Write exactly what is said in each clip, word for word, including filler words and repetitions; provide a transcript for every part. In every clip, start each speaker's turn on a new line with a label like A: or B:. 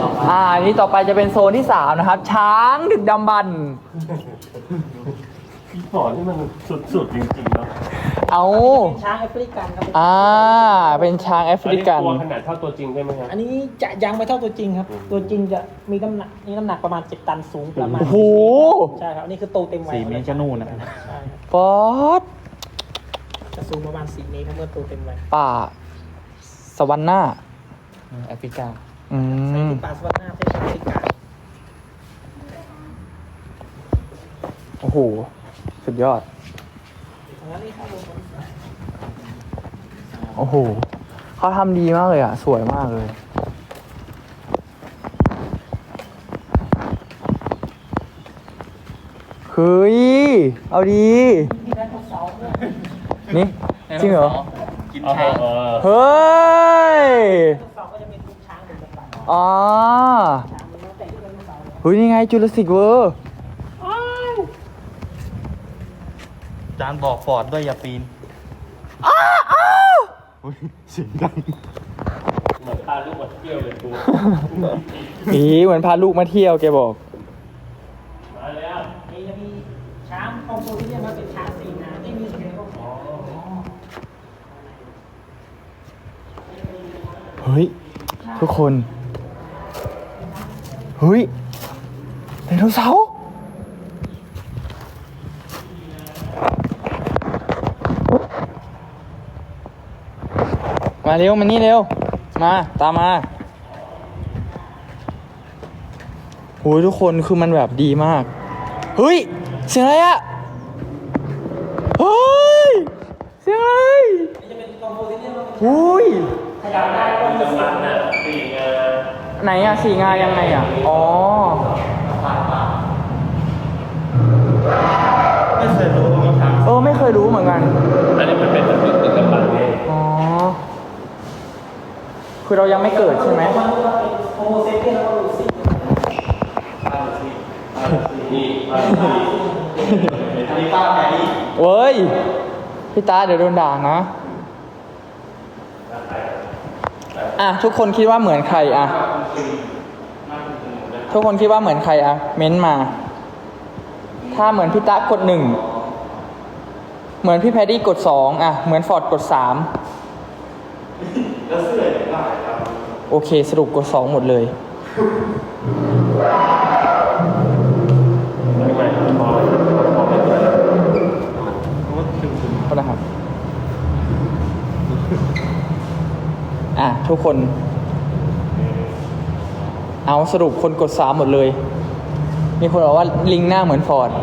A: อ่านี่ต่อไปจะเป็นโซนที่สามนะครับ ช้างดึกดำบรรพ์
B: พี่ปอนี่มันสุดๆจริงๆเนาะ
A: เอา
C: ช้างแอฟริกันครับ
A: อ่าเป็นช้างแอฟริกัน
B: ตัวขนาดเท่าตัวจริงใช่ไหมครับ
C: อันนี้จะยังไม่เท่าตัวจริงครับ ตัวจริงจะมีน้ำหนักนี่น้ำหนักประมาณเจ็ดตันสูงประมาณ
A: โอ้โห
C: ใช่ครับอันนี้คือโตเต็มวัย
D: สี่เมตรจะนู่นนะ
C: ใช่ครับ
A: ป๊อด
C: จะสูงประมาณสี่เมตรถ้าเมื่อโตเต็มวัย
A: ป่าสวรรค์หน้า
D: แอฟริกา
A: อื
C: ใน
A: ม
C: ที่ป่าสวรรค์หน้าประเทศแอฟริกา
A: โอ้โห สุดยอด
C: แล้วนี่ครับผม
A: โอ้โห เขาทำดีมากเลยอ่ะ สวยมากเลย เฮ้ย เอาดี
C: มีไดโนเสาร์ด้วย
A: นี่ จริงเหรอ
D: กิน
B: อ๋อ
D: ช้าง
B: เออ
A: เฮ้ย
C: ไดโนเสาร์ก็จะเป็นลูกช้างเหมือนกันป่ะ
A: อ๋อ
C: ช้างมันแล้วแต่ที่ไดโนเสาร์เลย
A: เฮ้ย นี่ไงจูราสสิกเวิร์
D: จานบอกฟอร์ดด้วยอย่าปีนอุ๊ยเสียงดัง
B: เหมือนพาลูกมาเที่ยวเลยกู
A: อีเหมือนพาลูกมาเที่ยวแกบอก
B: มาแล้ว
C: นี่จะมีช้างคอมโพที่เรียกว่าเป็นช้างสี่งานที่มีเสียงก็
A: เฮ้ย ทุกคน เฮ้ยไดโนเสาร์มาเร็ว มานี่เร็ว มา ตามมาโอ้ยทุกคนคือมันแบบดีมาก เฮ้ย เสียงอะไรอะเฮ้ย เสียงอะไรอุ้ย
B: จำรันนะสี่งา
A: ไหนอะสี่งายังไงอะอ๋อ
D: ไม่เคยรู้ว่ามีช้าง
A: เออ ไม่เคยรู้เหมือนกัน
B: อันนี้มันเป็นแบบตึกกำบังเอง
A: อ๋อ คือเรายังไม่เกิดใช่ไหม
C: โฮโมเซเปียนแล้วก็ลูซี่
B: นี่
D: อันนี้ป้าแพรรี่
A: เว้ย พี่ตาเดี๋ยวโดนด่านะ อ่ะ ทุกคนคิดว่าเหมือนใครอ่ะ ทุกคนคิดว่าเหมือนใครอ่ะ เม้นต์มา ถ้าเหมือนพี่ตากดหนึ่ง เหมือนพี่แพดดี้กดสองอ่ะ เหมือนฟอร์ดกดสามโอเค สรุปกดสองหมดเลย
B: ทำไมพอพอไม่เกิด
A: โทษนะครับ อ่ะ ทุกคน เอาสรุปคนกดสามหมดเลย มีคนบอกว่าลิงหน้าเหมือนฟอร์ด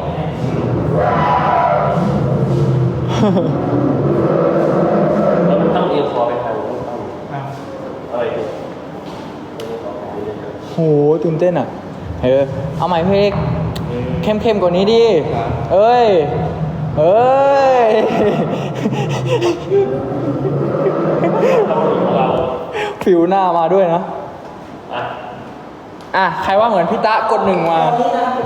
B: แล้วมันต้องเอียงคอไปทางนู้นต้องอะไรดิ
A: โหตื่นเต้นอ่ะ เออ เอาใหม่เพลงเข้มๆกว่านี้ดิ เอ้ย เอ้ย
B: เรา
A: ผิวหน้ามาด้วยนะ
B: อ่ะ
A: อ่ะ ใครว่าเหมือนพี่ตะกดหนึ่งมา